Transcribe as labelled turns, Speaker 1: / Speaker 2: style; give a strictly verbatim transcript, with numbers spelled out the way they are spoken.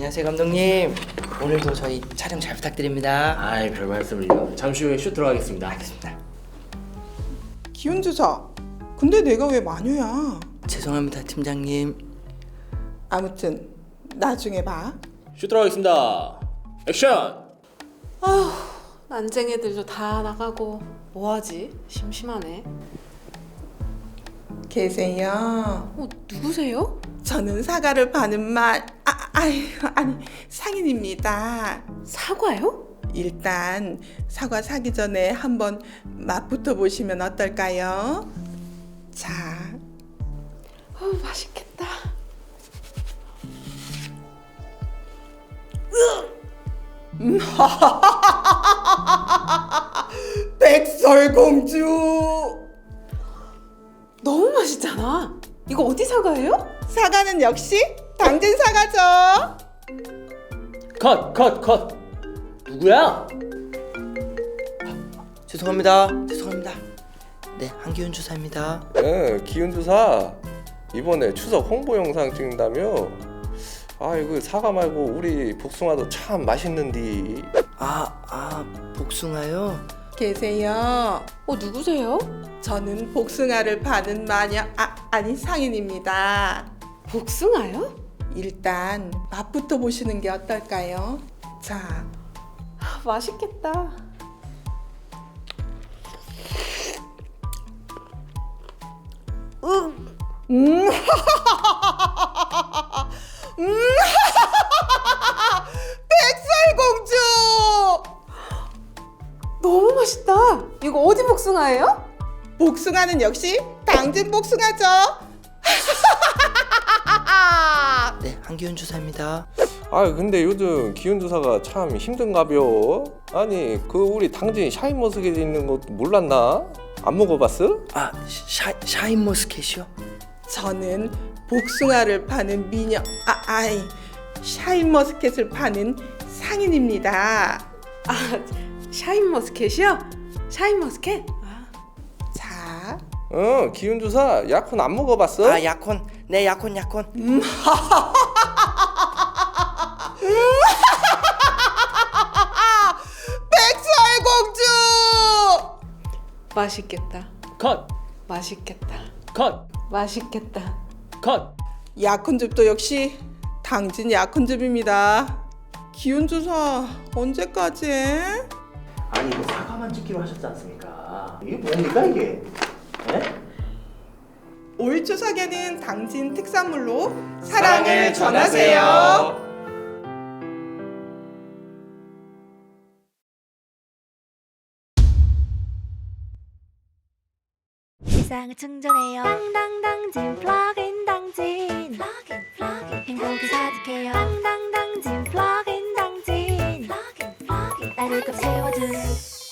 Speaker 1: 안녕하세요 감독님. 오늘도 저희 촬영 잘 부탁드립니다.
Speaker 2: 아이 별 말씀을요. 잠시 후에 슛 들어가겠습니다.
Speaker 1: 알겠습니다.
Speaker 3: 기운주사. 근데 내가 왜 마녀야?
Speaker 1: 죄송합니다 팀장님.
Speaker 3: 아무튼 나중에 봐.
Speaker 2: 슛 들어가겠습니다. 액션!
Speaker 4: 아휴, 난쟁이들도 다 나가고 뭐하지? 심심하네.
Speaker 3: 계세요.
Speaker 4: 어, 누구세요?
Speaker 3: 저는 사과를 파는 말. 아, 아이, 아니 상인입니다.
Speaker 4: 사과요?
Speaker 3: 일단 사과 사기 전에 한번 맛부터 보시면 어떨까요? 자,
Speaker 4: 어, 맛있겠다.
Speaker 3: 백설공주.
Speaker 4: 너무 맛있잖아. 이거 어디 사과예요?
Speaker 3: 사과는 역시 당진 사과죠.
Speaker 2: 컷! 컷! 컷! 누구야?
Speaker 1: 죄송합니다. 죄송합니다. 네 한기훈 주사입니다.
Speaker 5: 네, 기운주사 이번에 추석 홍보 영상 찍는다며? 아 이거 사과 말고 우리 복숭아도 참 맛있는디.
Speaker 1: 아, 아 복숭아요?
Speaker 3: 계세요.
Speaker 4: 어, 누구세요?
Speaker 3: 저는 복숭아를 파는 마녀. 아, 아니 상인입니다.
Speaker 4: 복숭아요?
Speaker 3: 일단 맛부터 보시는 게 어떨까요? 자,
Speaker 4: 아, 맛있겠다.
Speaker 3: 음, 음, 백설공주.
Speaker 4: 너무 맛있다. 이거 어디 복숭아예요?
Speaker 3: 복숭아는 역시 당진 복숭아죠.
Speaker 1: 네 한기훈 주사입니다.
Speaker 5: 아 근데 요즘 기운주사가 참 힘든가벼. 아니 그 우리 당진 샤인머스켓 있는 것도 몰랐나? 안 먹어봤어?
Speaker 1: 아 샤, 샤인머스켓이요?
Speaker 3: 저는 복숭아를 파는 미녀. 아, 아이 샤인머스켓을 파는 상인입니다.
Speaker 4: 아, 샤인머스켓이요? 샤인머스켓? 아,
Speaker 3: 자,
Speaker 5: 어 기운주사 약혼 안 먹어봤어?
Speaker 1: 아 약혼. 네 약혼 약혼.
Speaker 3: 백설공주.
Speaker 4: 맛있겠다.
Speaker 2: 컷!
Speaker 4: 맛있겠다.
Speaker 2: 컷!
Speaker 4: 맛있겠다.
Speaker 2: 컷!
Speaker 3: 약혼즙도 역시 당진 약혼즙입니다. 기운주사 언제까지 해?
Speaker 2: 아니 이거 사과만 찍기로 하셨지 않습니까? 이게 뭡니까 이게? 네?
Speaker 3: 올 추석에는 당진 특산물로 사랑을 전하세요.
Speaker 6: 일상을 충전해요. 당당당진 플러그인 당진. 플러그인 플러그인 행복이 가득해요. 당당당진 플러그인 당진. 플러그인 플러그인 나를 꽉 채워준